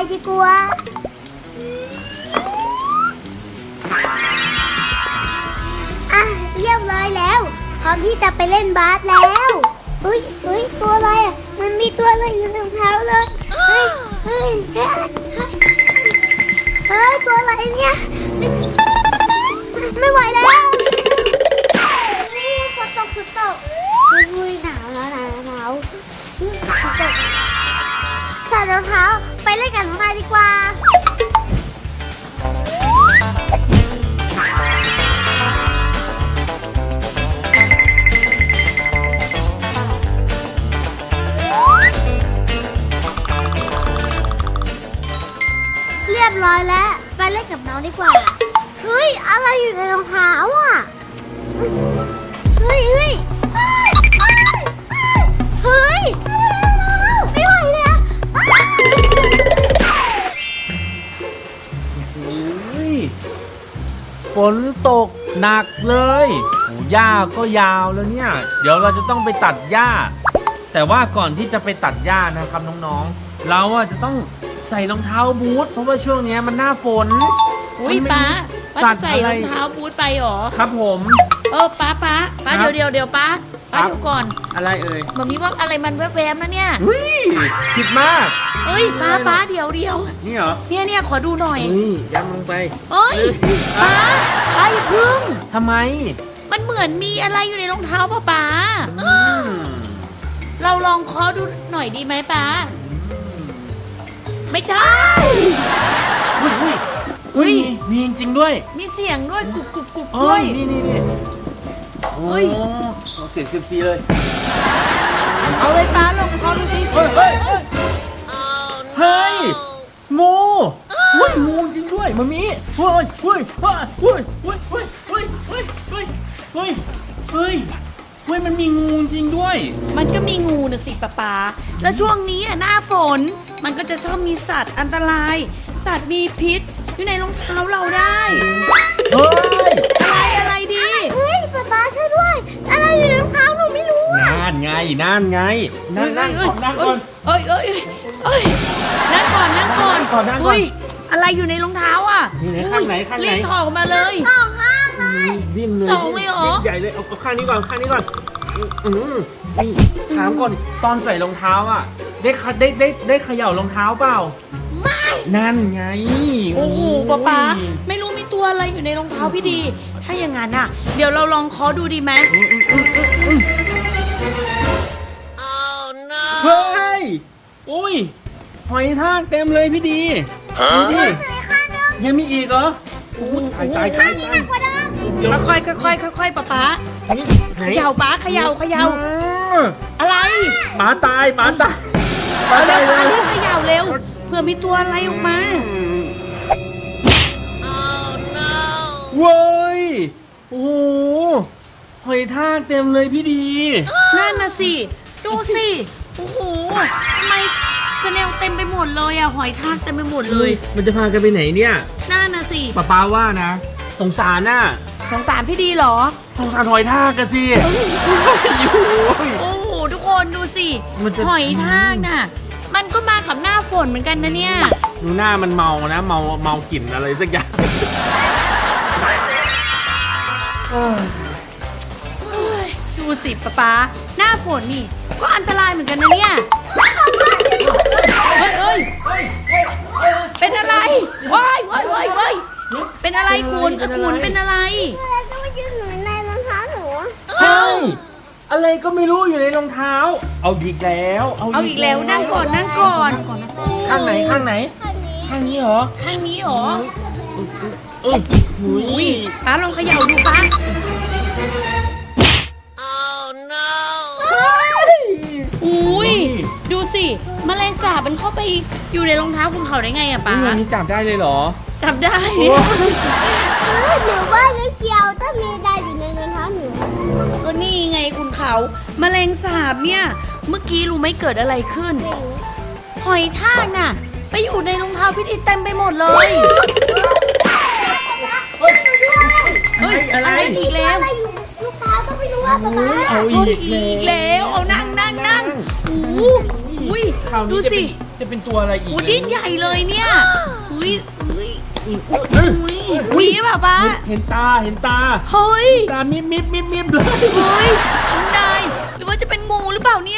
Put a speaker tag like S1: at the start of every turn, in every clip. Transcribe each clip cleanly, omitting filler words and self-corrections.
S1: ดีกว่าอ่ะเรียบร้อยแล้วพร้อมที่จะไปเล่นบาสแล้วเฮ้ยตัวอะไรอ่ะมันมีตัวอะไรอยู่ในรองเท้าเลยเฮ้ยตัวอะไรเนี่ยไม่ไหวแล้วฝนตกอุ้ยหนาวใส่รองเท้าไปเล่นกันข้างในดีกว่าเรียบร้อยแล้วไปเล่นกับน้องดีกว่าเฮ้ยอะไรอยู่ในรองเท้าอ่ะเฮ้ยไม่ไหวเลยอ่ะ
S2: ฝนตกหนักเลยหญ้าก็ยาวแล้วเนี่ยเดี๋ยวเราจะต้องไปตัดหญ้าแต่ว่าก่อนที่จะไปตัดหญ้านะครับน้องๆเราจะต้องใส่รองเท้าบูทเพราะว่าช่วงนี้มันหน้าฝน
S3: อุ้ยป้าจะใส่รองเท้าบูทไปหรอ
S2: ครับผม
S3: ป้าเดี๋ยวป้าเดี๋ยวก่อน
S2: อะไรเอ่ย
S3: แบบนี้ว่าอะไรมันแวบๆนะเนี่ย
S2: คิดมาก
S3: เฮ้ยป้าเดี๋ยว
S2: นี่เหรอ
S3: เนี่ยขอดูหน่อย
S2: นี่ยัดลงไป
S3: เฮ้ยป้าอย่าพึ่ง
S2: ทำไม
S3: มันเหมือนมีอะไรอยู่ในรองเท้าป้าเราลองเคาะดูหน่อยดีไหมป้าไม่ใช่
S2: อุ้ยมีจริงด้วย
S3: มีเสียงด้วยกุบด้วย
S2: นี่โอ้ยเสียงซีเลย
S3: เอาเลยป้าลองเคาะดูสิ
S2: เฮ้ยงูงูจริงด้วยมามีเฮ้ยมันมีงูจริงด้วย
S3: มันก็มีงูนะสิป้าแล้วช่วงนี้หน้าฝนมันก็จะชอบมีสัตว์อันตรายสัตว์มีพิษอยู่ในรองเท้าเราได้
S2: เฮ้ย
S3: อะไรดี
S1: เฮ้ยป๊าช่วยด้วยอะไรอยู่ในรองเท้าหนูไม่รู้
S2: นั่นไงนั่งก่อน
S3: นั่งก่อนอะไรอยู่ในรองเท้าอ่ะ
S2: ข้างไหน
S3: รีบถอดมาเลย
S1: สองข้างเลย
S2: ดิ้นเลย
S3: สองเลยเหรอ
S2: ใหญ่เลยเอาข้างนี้ก่อนนี่ถามก่อนตอนใส่รองเท้าอ่ะได้เขย่ารองเท้าเปล่า
S1: ไม่
S2: นั่นไง
S3: โอ้โหป๊าไม่รู้มีตัวอะไรอยู่ในรองเท้าพี่ดีถ้าอย่างนั้นอ่ะเดี๋ยวเราลองเคาะดูดีไหม
S2: เฮ้ยอุ้ยหอยทากเต็มเลยพี่ดียังมีอีกเหรอตาย
S1: ข้างนี้หนักกว่าเดิม
S3: ค่อยป๊าเขย่าป๊าเขย่าอะไร
S2: หมาตาย
S3: เร็วป๊าเร็วเขย่าเร็วเผื่อมีตัวอะไรออกมา
S2: เว้ยโอ้โหหอยทากเต็มเลยพี่ดี
S3: นั่นน่ะสิดูสิโอ้โหทำไมสเนลเต็มไปหมดเลยหอยทากเต็มไปหมดเลย
S2: มันจะพากันไปไหนเนี่ย
S3: นั่นน่ะสิ
S2: ป้าว่านะสงสาร
S3: พี่ดีเหรอ
S2: สงสารหอยทากกันสิ
S3: โอ้โหทุกคนดูสิหอยทากน่ะมันก็มากับหน้าฝนเหมือนกันนะเนี่ย
S2: ดูหน้ามันเมากลิ่นอะไรสักอย่าง
S3: ดูสิป๊าหน้าฝนนี่ก็อันตรายเหมือนกันนะเนี่ยเฮ้ยเป็นอะไรว้ายเป็นอะไรคุณเป็นอะไร
S1: ก็มายืนอยู่ในรองเท้าหนู
S2: เฮ้ยอะไรก็ไม่รู้อยู่ในรองเท้าเอาอีกแล้ว
S3: นั่งก่อน
S2: ข้างไหนข้างนี้เหรอ
S3: อุ้ยป้าลองเขย่าดูป้าอุ้ยดูสิแมลงสาบมันเข้าไปอยู่ในรองเท้าคุณเขาได้ไงป้า
S2: นี่จับได้เลยเหรอ
S3: จับได้
S1: หนูว่าเขียวต้องมีอะไรอยู่ในรองเท้าหนู
S3: ก็นี่ไงคุณเขาแมลงสาบเนี่ยเมื่อกี้รู้ไหมเกิดอะไรขึ้นหอยทากน่ะไปอยู่ในรองเท้าพี่ดีเต็มไปหมดเลยอะไรอีกแล้ว
S1: ลูกค้าก็ไม่รู้ว่าป๊า
S3: เอาอีกแล้วเอานั่งดูสิ
S2: จะเป็นตัวอะไรอีก
S3: โอ้ดิ้นใหญ่เลยเนี่ยอุ้ยอุ้ย
S2: เฮ้ย
S3: อุ้ยมีเปล่าป้า
S2: เห็นตาเห็นตา
S3: เฮ้ย
S2: ตามิบเลย
S3: เฮ้ยคุณนายหรือว่าจะเป็นงูหรือเปล่าเนี่ย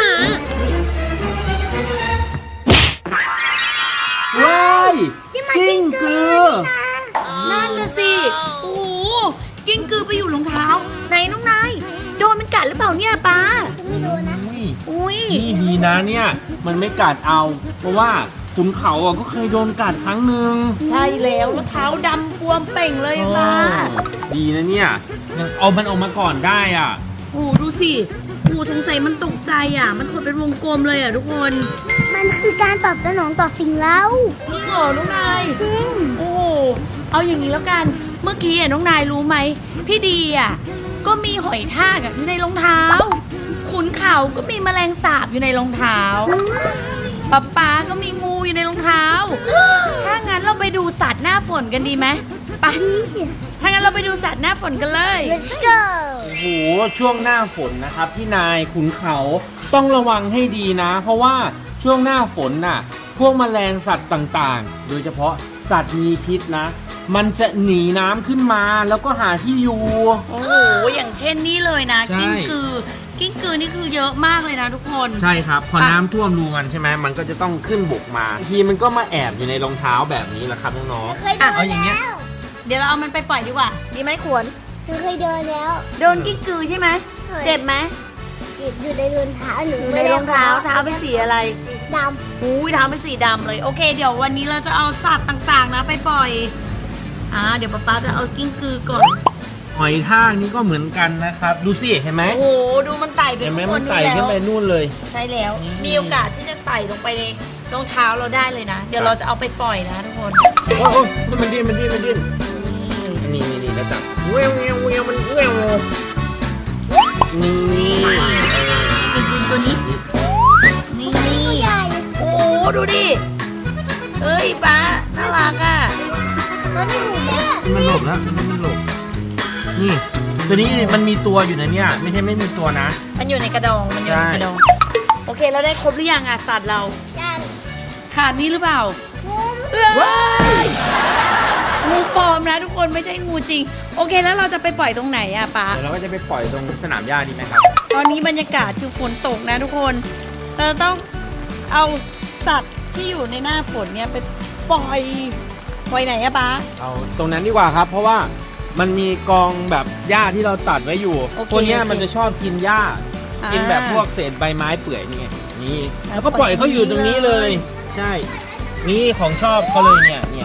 S2: ว้ายกิ้งกือ
S3: นั่นน่ะสิโอ้โหกิ้งกือไปอยู่รองเท้าไหนน้องนายโดนมันกัดหรือเปล่าเนี่ยป้า
S1: ไม่รู้นะ
S3: อุ้ย
S2: นี่ดีนะเนี่ยมันไม่กัดเอา เพราะว่าขุนเขาอ่ะก็เคยโดนกัดครั้งหนึ่ง
S3: ใช่แล้วเท้าดำบวมเป่งเลยป้า
S2: ดีนะเนี่ยยังเอามันออกมาก่อนได้อ่ะ
S3: โอ้โหดูสิโอ้สงสัยมันตกใจอ่ะ มันขดเป็นวงกลมเลยอ่ะทุกคน
S1: มันคือการตอบสนองต่อสิ่งเล่า
S3: จริงเหรอน้องนายโอ้โหเอาอย่างนี้แล้วกัน เมื่อกี้อ่ะน้องนายรู้ไหมพี่ดีอ่ะก็มีหอยทากอ่ะอยู่ในรองเท้า ขุนเขาก็มีแมลงสาบอยู่ในรองเท้าป๊าก็มีงูอยู่ในรองเท้า ถ้างั้นเราไปดูสัตว์หน้าฝนกันดีไหมไปถ้างั้นเราไปดูสัตว์หน้าฝนกันเลย
S1: Let's go
S2: โอ้โหช่วงหน้าฝนนะครับพี่นายขุนเขาต้องระวังให้ดีนะ เพราะว่าช่วงหน้าฝนน่ะพวกแมลงสัตว์ต่างๆ โดยเฉพาะสัตว์มีพิษนะ มันจะหนีน้ำขึ้นมาแล้วก็หาที่อยู่
S3: โอ้โหอย่างเช่นนี่เลยนะ
S2: ใช่
S3: กิ้งกือนี่คือเยอะมากเลยนะทุกคน
S2: ใช่ครับพอน้ำท่วมรูมันใช่ไหมมันก็จะต้องขึ้นบกมาบางทีมันก็มาแอบอยู่ในรองเท้าแบบนี้แหละครับน้อง
S1: เคยเดิน
S2: เอาอย่างเงี้ย
S1: แล้ว
S3: เดี๋ยวเราเอามันไปปล่อยดีกว่าดีไหมขวน
S1: หนูเคยเดินแล้ว
S3: โดนกิ้งกือใช่ไหม
S1: เคย
S3: เจ็บไหม
S1: อยู่ในรองเท้าหนู
S3: ในรองเท้าเป็นสีอะไร
S1: ด
S3: อุ้ยเท้าเป็นสีดำเลยโอเค เดี๋ยววันนี้เราจะเอาสัตว์ต่างๆนะไปปล่อยเดี๋ยวป๊าจะเอากิ้งกือก่อน
S2: หอยทากนี่ก็เหมือนกันนะครับดูสิเห็นไหม
S3: โอ้โหดูมันไต่ไป
S2: เห็นไหม
S3: ข้างบ
S2: มัน
S3: น
S2: ไต่
S3: นี่
S2: ขึ้น
S3: แล้ว
S2: ไปนู่นเลย
S3: ใช่แล้ว
S2: นี่
S3: มีโอกาสที่จะไต่ลงไปในรองเท้าเราได้เลยนะ เดี๋ยวเราจะเอาไปปล่อยนะทุกคน
S2: โอ้ยมันดิ้นนี่แล้วจับเวียวมันเวียวนี่
S3: กิ้งกือตัวนี้นี่
S1: ำตัวใหญ่
S3: โอ้โหดูดิเอ้ยป๊าน่ารักอ่ะ
S1: มันไม่ถูกเนี่ย
S2: มันหลบแล้วมันหลบนี่ตัวนี้มันมีตัวอยู่นะเนี่ยไม่ใช่ไม่มีตัวนะ
S3: มันอยู่ในกระดองมันอยู่ในกระดองโอเคเราได้ครบหรือยังอ่ะสัตว์เรา
S1: ยัน
S3: ขาดนี่หรือเปล่า
S1: งู
S3: ว้ายงูปลอมนะทุกคนไม่ใช่งูจริง โอเคแล้วเราจะไปปล่อยตรงไหนอะป๊า
S2: เดี๋ยวเราก็จะไปปล่อยตรงสนามหญ้าดีไหมครับ
S3: ตอนนี้บรรยากาศคือฝนตกนะทุกคนเราต้องเอาสัตว์ที่อยู่ในหน้าฝนเนี่ยไปปล่อยไหนอะป๊า
S2: เอาตรงนั้นดีกว่าครับ เพราะว่ามันมีกองแบบหญ้าที่เราตัดไว้อยู่
S3: โอเค
S2: ตัวเนี้ย
S3: โอเค
S2: มันจะชอบกินหญ้า กินแบบพวกเศษใบไม้เปื่อยนี่ไงนี่แล้วก็ปล่อยเขาอยู่ตรงนี้เลย ใช่ นี่ของชอบเขาเลยเนี่ย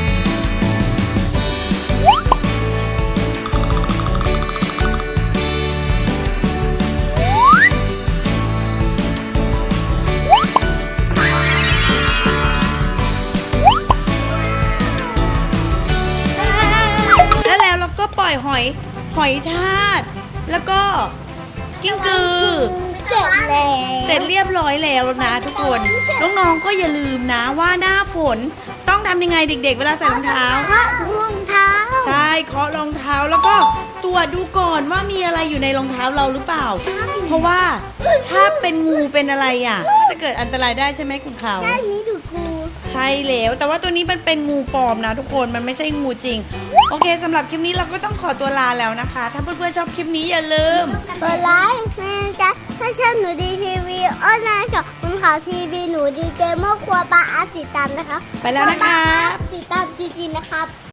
S3: แล้วเราก็ปล่อยหอยทากแล้วก็กิ้งกือ
S1: เสร็จแล้ว
S3: เสร็จเรียบร้อยแล้วนะทุกคน น้องๆก็อย่าลืมนะว่าหน้าฝนต้องทำยังไงเด็กๆ เวลาใส่รองเท้า
S1: พระรองเท้า
S3: ใช่เคาะรองเท้าแล้วก็ตรวจดูก่อนว่ามีอะไรอยู่ในรองเท้าเราหรือเปล่า เพราะว่าถ้าเป็นงูเป็นอะไรก็จะเกิดอันตรายได้ใช่ไหมคุณเขา
S1: ด้านนี้ดูกู
S3: ใช่แล้วแต่ว่าตัวนี้มันเป็นงูปลอมนะทุกคนมันไม่ใช่งูจริง โอเคสำหรับคลิปนี้เราก็ต้องขอตัวลาแล้วนะคะ ถ้าเพื่อนๆชอบคลิปนี้อย่าลืม
S1: กดไลค์นะจ๊ะถ้าชอบหนูดีทีวีออนไลน์กับคุณข่าวทีวีหนูดีเกมเมอร์ครัวปลาอาติดตามนะครับ
S3: ไปแล้วนะคะ
S1: ติดตามจริงๆนะครับ